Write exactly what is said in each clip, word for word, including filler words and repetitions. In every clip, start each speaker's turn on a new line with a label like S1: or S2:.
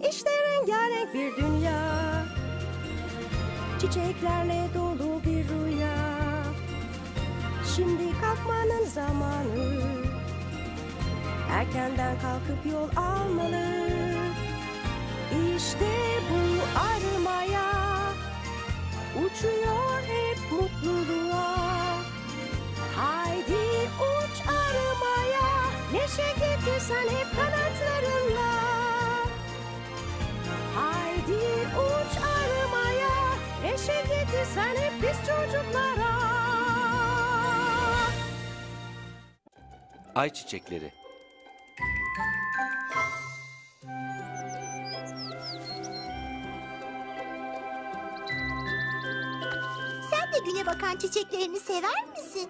S1: İşte rengarenk bir dünya, çiçeklerle dolu bir rüya. Şimdi kalkmanın zamanı, erkenden kalkıp yol almalı. İşte bu armaya, uçuyor hep mutluluğa. Haydi uç armaya, neşe getirsen hep kanatlarınla. Haydi uç armaya, neşe getirsen hep biz çocuklara.
S2: Ayçiçekleri.
S3: Sen de güne bakan çiçeklerini sever misin?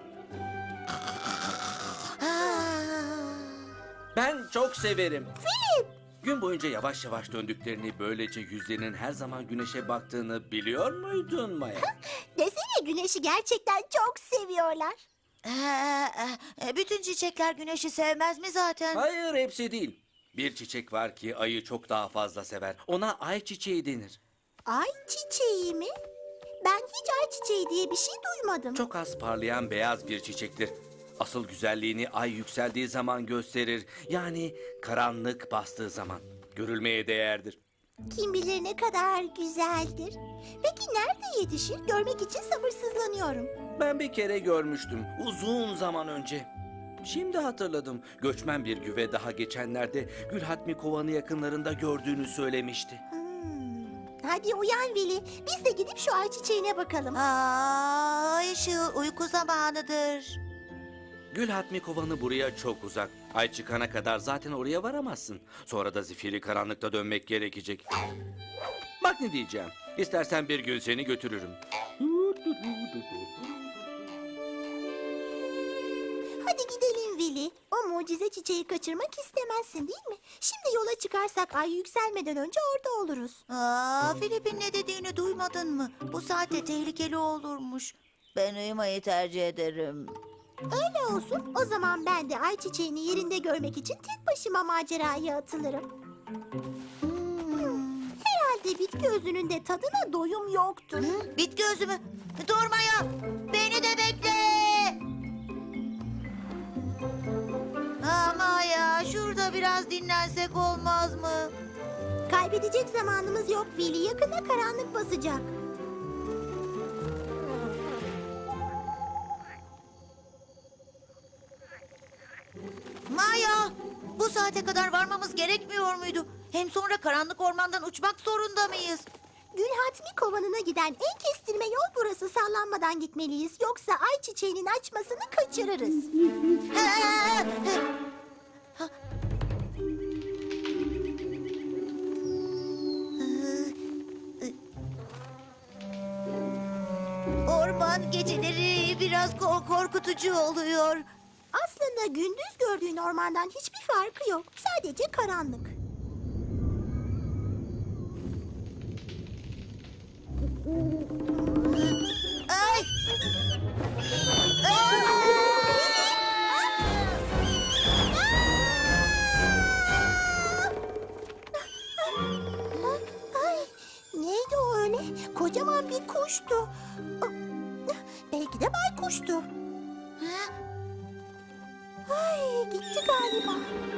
S2: Ben çok severim.
S3: Filip!
S2: Gün boyunca yavaş yavaş döndüklerini, böylece yüzlerinin her zaman güneşe baktığını biliyor muydun Maya?
S3: Desene, güneşi gerçekten çok seviyorlar.
S4: Ee, bütün çiçekler güneşi sevmez mi zaten?
S2: Hayır, hepsi değil. Bir çiçek var ki ayı çok daha fazla sever. Ona ayçiçeği denir.
S3: Ay çiçeği mi? Ben hiç ay çiçeği diye bir şey duymadım.
S2: Çok az parlayan beyaz bir çiçektir. Asıl güzelliğini ay yükseldiği zaman gösterir. Yani karanlık bastığı zaman. Görülmeye değerdir.
S3: Kim bilir ne kadar güzeldir. Peki nerede yetişir? Görmek için sabırsızlanıyorum.
S2: Ben bir kere görmüştüm uzun zaman önce. Şimdi hatırladım. Göçmen bir güve daha geçenlerde Gülhatmi Kovanı yakınlarında gördüğünü söylemişti.
S3: Hmm. Hadi uyan Veli. Biz de gidip şu ay çiçeğine bakalım.
S4: Aa, ay ışığı uyku zamanıdır.
S2: Gülhatmi Kovanı buraya çok uzak. Ay çıkana kadar zaten oraya varamazsın. Sonra da zifiri karanlıkta dönmek gerekecek. Bak ne diyeceğim. İstersen bir gün seni götürürüm.
S3: Hadi gidelim Veli. O mucize çiçeği kaçırmak istemezsin değil mi? Şimdi yola çıkarsak ay yükselmeden önce orada oluruz.
S4: Aa, Filip'in ne dediğini duymadın mı? Bu saatte tehlikeli olurmuş. Ben uyumayı tercih ederim.
S3: Öyle olsun. O zaman ben de ay çiçeğini yerinde görmek için tek başıma maceraya atılırım. Hmm, herhalde bitki özünün de tadına doyum yoktur.
S4: Bit gözümü. Durmaya. Beni de bekle. Ama ya şurada biraz dinlensek olmaz mı?
S3: Kaybedecek zamanımız yok Veli. Yakında karanlık basacak.
S4: Maya, bu saate kadar varmamız gerekmiyor muydu? Hem sonra karanlık ormandan uçmak zorunda mıyız?
S3: Gülhatmi Kovanı'na giden en kestirme yol burası. Sallanmadan gitmeliyiz. Yoksa ay çiçeğinin açmasını kaçırırız.
S4: Orman geceleri biraz ko- korkutucu oluyor.
S3: Aslında gündüz gördüğün ormandan hiçbir farkı yok. Sadece karanlık.
S4: Ay!
S3: Ay, neydi o öyle? Kocaman bir kuştu. Belki de baykuştu. Ay, gitti galiba.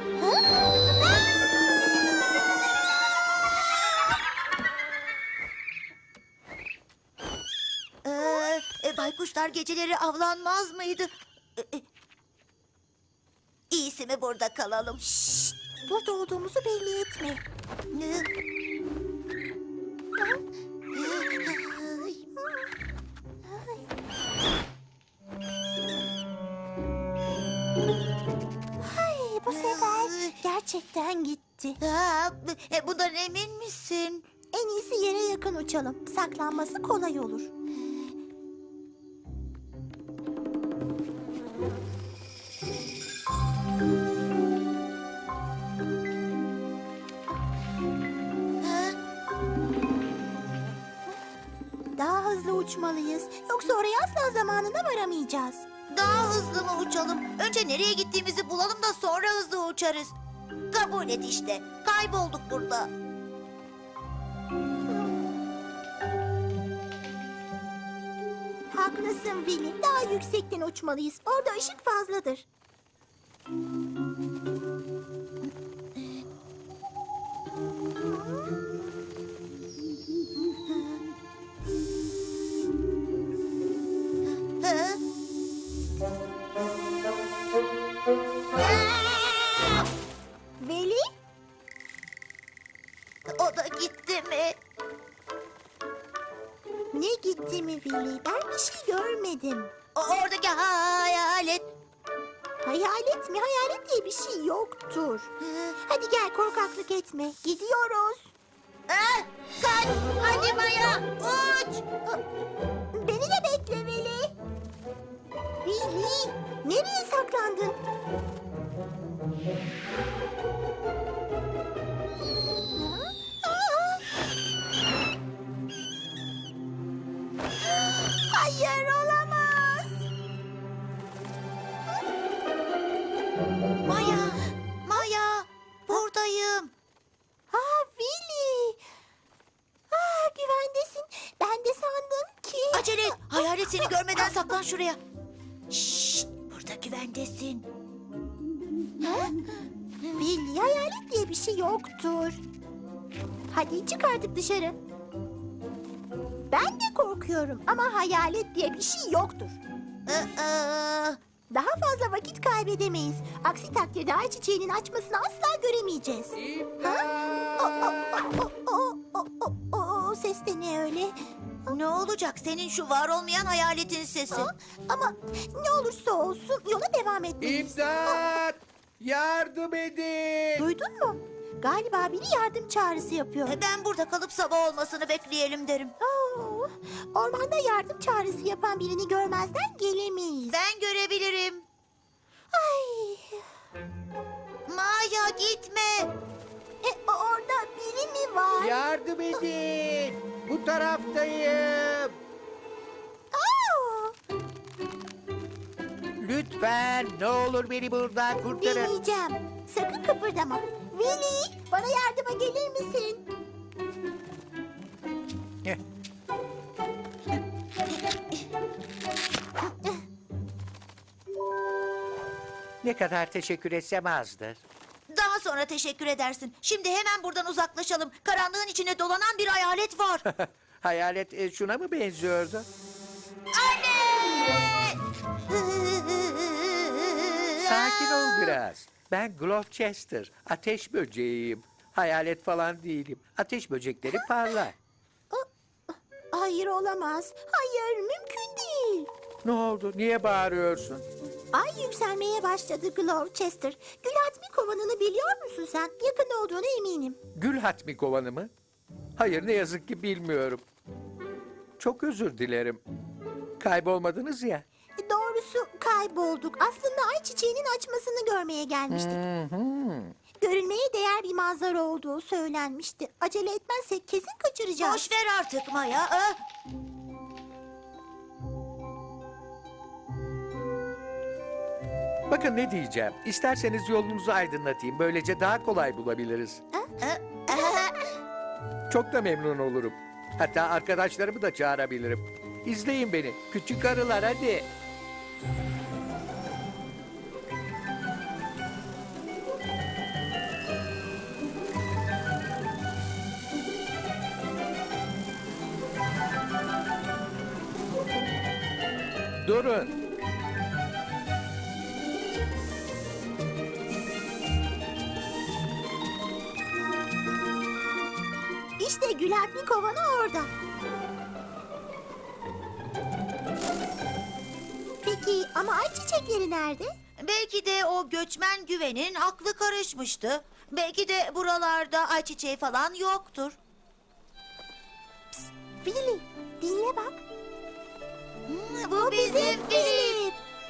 S4: Ee, e, baykuşlar geceleri avlanmaz mıydı? E, e, İyisi mi burada kalalım?
S3: Şşt, burada olduğumuzu belli etme. Ay, bu sefer gerçekten gitti.
S4: Ha, e, bundan emin misin?
S3: En iyisi yere yakın uçalım. Saklanması kolay olur. Daha hızlı uçmalıyız. Yoksa oraya asla zamanında varamayacağız.
S4: Daha hızlı mı uçalım? Önce nereye gittiğimizi bulalım da sonra hızlı uçarız. Kabul et işte. Kaybolduk burada.
S3: Haklısın Willy. Daha yüksekten uçmalıyız. Orada ışık fazladır.
S4: Hı?
S3: Willy?
S4: O da gitti mi?
S3: Ne gitti mi Willy? Ben bir şey görmedim.
S4: O oradaki hayalet.
S3: Hayalet mi? Hayalet diye bir şey yoktur. Hadi gel, korkaklık etme. Gidiyoruz.
S4: Ah, kaç! Hadi Maya, uç!
S3: Beni de bekle Willy. Willy, nereye saklandın? Ha? Aa! Hayır, olamaz.
S4: Maya, Maya, buradayım.
S3: Aa, Willy. Aa, güvendesin. Ben de sandım ki...
S4: Acele et, hayalet seni görmeden saklan şuraya. Şşt, burada güvendesin.
S3: Ha? Willy, hayalet diye bir şey yoktur. Hadi çık artık dışarı. Ben de korkuyorum ama hayalet diye bir şey yoktur.
S4: Aa,
S3: Daha fazla vakit kaybedemeyiz. Aksi takdirde ay çiçeğinin açmasını asla göremeyeceğiz. Ha? O, o, o, o, o, o, o, o ses de ne öyle?
S4: ne olacak senin şu var olmayan hayaletin sesi?
S3: Ha? Ama ne olursa olsun yola devam etmeliyiz.
S5: İmdat! Yardım edin!
S3: Duydun mu? Galiba biri yardım çağrısı yapıyor.
S4: Ben burada kalıp sabah olmasını bekleyelim derim.
S3: Oo, ormanda yardım çağrısı yapan birini görmezden gelemeyiz.
S4: Ben görebilirim.
S3: Ay,
S4: Maya gitme.
S3: e, orada biri mi var?
S5: Yardım edin! Bu taraftayım!
S3: Aa,
S5: Lütfen ne olur beni buradan kurtarın.
S3: deneyeceğim. Sakın kıpırdama. Willy, bana yardıma gelir misin?
S5: Heh. Ne kadar teşekkür etsem azdır.
S4: Daha sonra teşekkür edersin. Şimdi hemen buradan uzaklaşalım. Karanlığın içine dolanan bir hayalet var.
S5: Hayalet e, şuna mı benziyordu?
S4: Anne!
S5: Sakin ol biraz. Ben Gloucester, ateş böceğiyim. Hayalet falan değilim. Ateş böcekleri parlar.
S3: Hayır, olamaz. Hayır, mümkün değil.
S5: Ne oldu? Niye bağırıyorsun?
S3: Ay yükselmeye başladı Gloucester. Gülhatmi kovanını biliyor musun sen? Yakında olduğuna eminim.
S5: Gül hatmi kovanı mı? Hayır, ne yazık ki bilmiyorum. Çok özür dilerim. Kaybolmadınız ya.
S3: Doğrusu kaybolduk. Aslında ay çiçeğinin açmasını görmeye gelmiştik. Görülmeye değer bir manzara olduğu söylenmişti. Acele etmezsek kesin kaçıracağız.
S4: Boş ver artık Maya. ah.
S5: Bakın ne diyeceğim. İsterseniz yolunuzu aydınlatayım. Böylece daha kolay bulabiliriz. Çok da memnun olurum. Hatta arkadaşlarımı da çağırabilirim. İzleyin beni. Küçük arılar hadi. Durun.
S3: İşte Gülhatmi kovanı orada. Peki ama ay çiçekleri nerede?
S4: Belki de o göçmen güvenin aklı karışmıştı. Belki de buralarda ayçiçeği falan yoktur.
S3: Willy, dinle bak.
S4: Hmm, bu bizim Filip.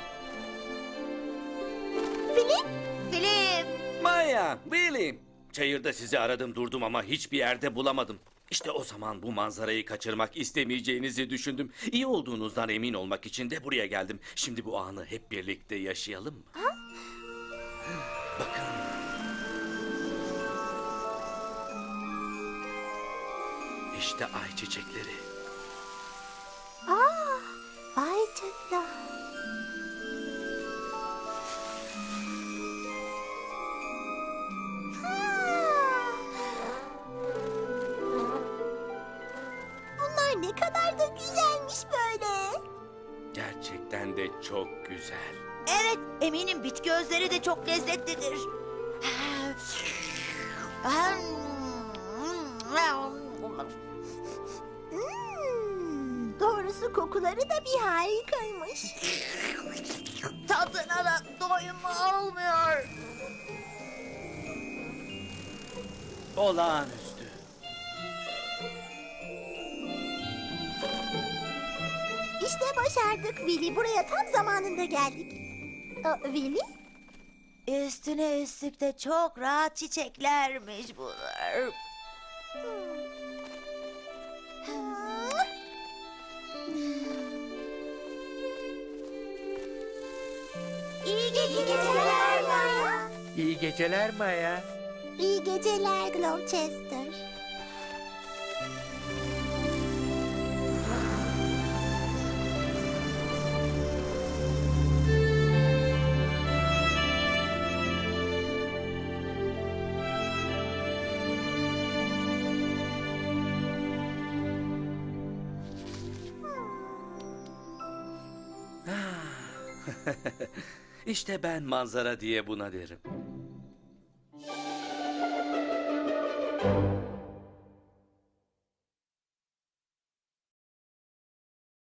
S3: Filip,
S4: Filip.
S2: Maya, Willy. Çayırda sizi aradım durdum ama hiçbir yerde bulamadım. İşte o zaman bu manzarayı kaçırmak istemeyeceğinizi düşündüm. İyi olduğunuzdan emin olmak için de buraya geldim. Şimdi bu anı hep birlikte yaşayalım mı? Bakın. İşte ay çiçekleri.
S3: aa, vay
S2: Gerçekten de çok güzel.
S4: Evet, eminim bitki özleri de çok lezzetlidir.
S3: Hmm, doğrusu kokuları da bir harikaymış.
S4: Tadına da doyum olmuyor.
S2: Olağanüstü.
S3: İşte başardık Willy. Buraya tam zamanında geldik. Aa, Willy?
S4: Üstüne üstlük de çok rahat çiçeklermiş bunlar.
S3: İyi geceler Maya.
S5: İyi geceler Maya.
S3: İyi geceler Gloucester.
S2: İşte ben manzara diye buna derim.